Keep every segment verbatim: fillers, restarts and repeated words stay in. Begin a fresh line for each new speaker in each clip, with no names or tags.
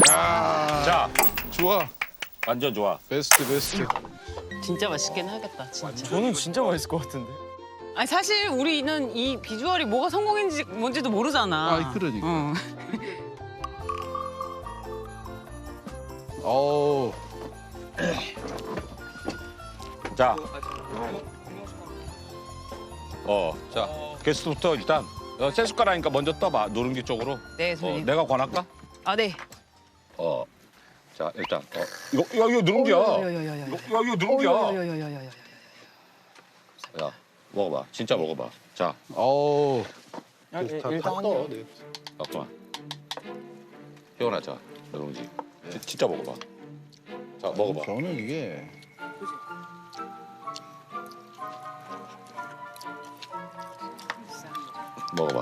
야,
자,
좋아.
완전 좋아.
베스트 베스트.
진짜 맛있긴 하겠다, 진짜.
저는 진짜 맛있을 것 같은데.
아니 사실 우리는 이 비주얼이 뭐가 성공인지 뭔지도 모르잖아.
아, 그러니까.
응.
어우.
자, 어, 자, 게스트부터 일단 어, 세 숟가락이니까 먼저 떠봐. 누룽지 쪽으로.
네,
어,
선생님.
내가 권할까?
아, 네.
어, 자, 일단 어, 이거, 이거, 이거 누룽지야.
야야야야야.
이거, 이거, 이거 누룽지야.
야야야야야야.
야, 먹어봐. 진짜 먹어봐. 자,
어우.
야, 일-
다,
일단
다
한
떠.
입.
네.
잠깐만. 혜원아, 자, 누룽지. 지- 진짜 먹어봐. 자, 먹어봐.
저는 이게
먹어봐.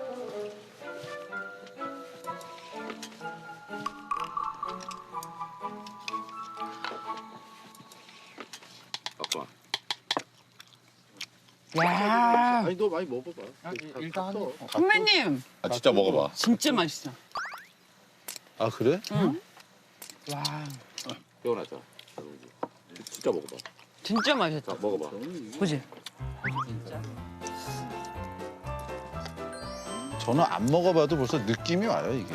잠깐만.
야,
아니 너 많이 먹어봐.
일단 한 입.
선배님
아, 진짜 먹어봐.
진짜 맛있어.
아 그래?
응. 와,
혜원아, 자, 누룽지. 진짜 먹어봐.
진짜 맛있다.
자, 먹어봐.
그지?
저는 안 먹어봐도 벌써 느낌이 와요 이게.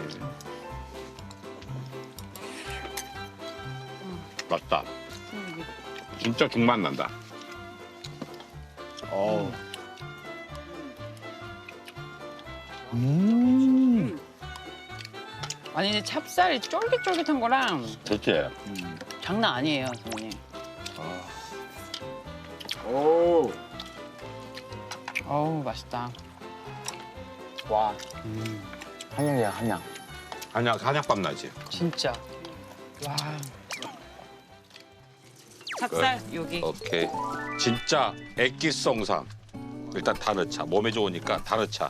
맛있다. 진짜 죽맛 난다.
어우. 음.
아니 근데 찹쌀이 쫄깃쫄깃한 거랑
그렇지?
음.
장난 아니에요, 선배님.
아.
오.
어우, 맛있다.
와,
음.
한약이야, 한약.
한약, 한약밥 나지?
진짜. 와. 찹쌀 여기.
오케이. 진짜 액기성상. 일단 다 넣자. 몸에 좋으니까 다 넣자.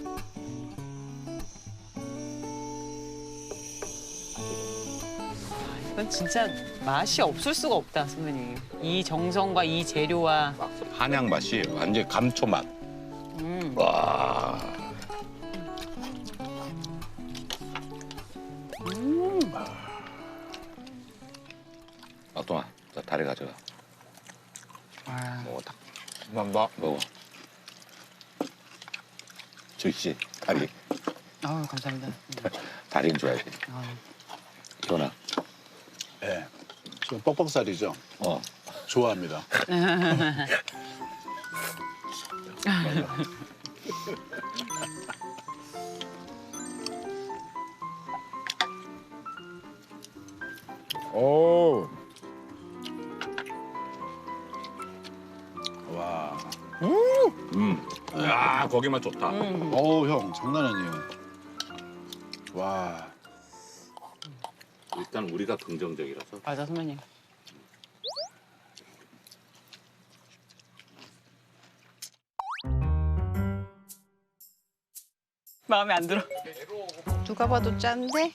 이건 진짜 맛이 없을 수가 없다, 선배님. 이 정성과 이 재료와.
한약 맛이 완전 감초 맛.
음.
와.
음.
아, 동아, 자, 다리 가져가.
와.
먹어, 다.
감사합니다.
먹어. 주씨, 다리.
아우, 감사합니다.
다리는 줘야지.
아우.
동아.
예. 좀 뻑뻑살이죠.
어.
좋아합니다.
오.
와.
음. 야, 거기만 좋다.
음.
어우 형 장난 아니에요. 와.
일단 우리가 긍정적이라서.
맞아, 선배님. 마음에 안 들어. 누가 봐도 짠데?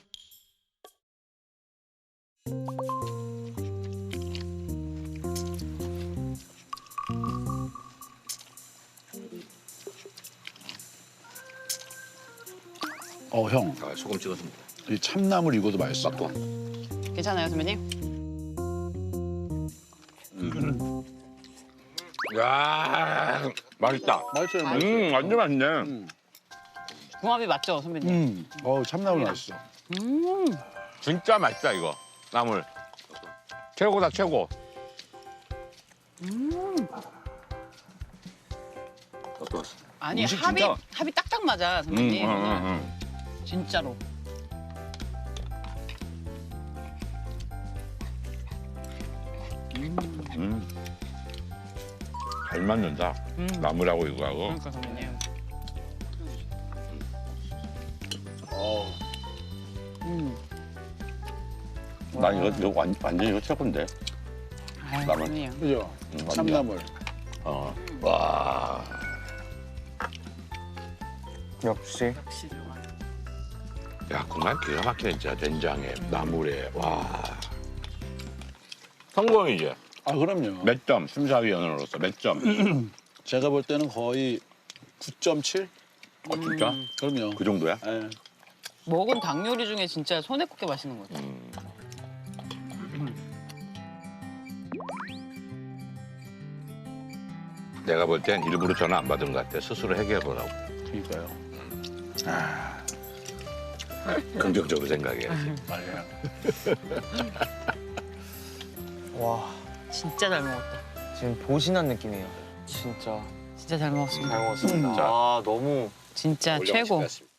어 형.
아, 소금 찍어서 먹어.
이 참나물 이거도 맛있어.
또.
괜찮아요, 선배님?
야, 맛있다.
맛있어요.
음, 완전 맛있네.
음.
궁합이 맞죠, 선배님?
음. 어우 참나물 맛있어.
음.
진짜 맛있다 이거. 나물. 최고다 최고.
음.
어떠셨어?
아니,
음식
합이,
진짜-
합이 딱딱 맞아,
음,
선배님.
음, 음, 음.
진짜로.
음. 잘 맞는다.
음.
나물하고 이거하고.
그러니까, 선배님.
어.
음.
난 이거, 이거 완, 완전 이거 최고인데.
아유,
나물.
선배님.
그죠?
음, 완전.
참나물.
어. 와.
역시.
역시 들어가.
야, 그만 기가 막히네 진짜. 된장에, 나물에. 와. 성공이지.
아 그럼요.
몇 점? 심사위원으로서 몇 점?
제가 볼 때는 거의 구 점 칠?
어, 진짜?
음.
그럼요.
그 정도야?
예.
먹은 닭 요리 중에 진짜 손에 꼽게 맛있는 것 같아.
음. 내가 볼 땐 일부러 전화 안 받은 것 같아. 스스로 해결하라고.
그러니까요.
긍정적으로 생각해야지.
맞아요.
와,
진짜 잘 먹었다.
지금 보신한 느낌이에요. 진짜
진짜 잘 먹었습니다.
잘 먹었습니다.
자.
아, 너무
진짜
올려놓으신
최고.
것 같습니다.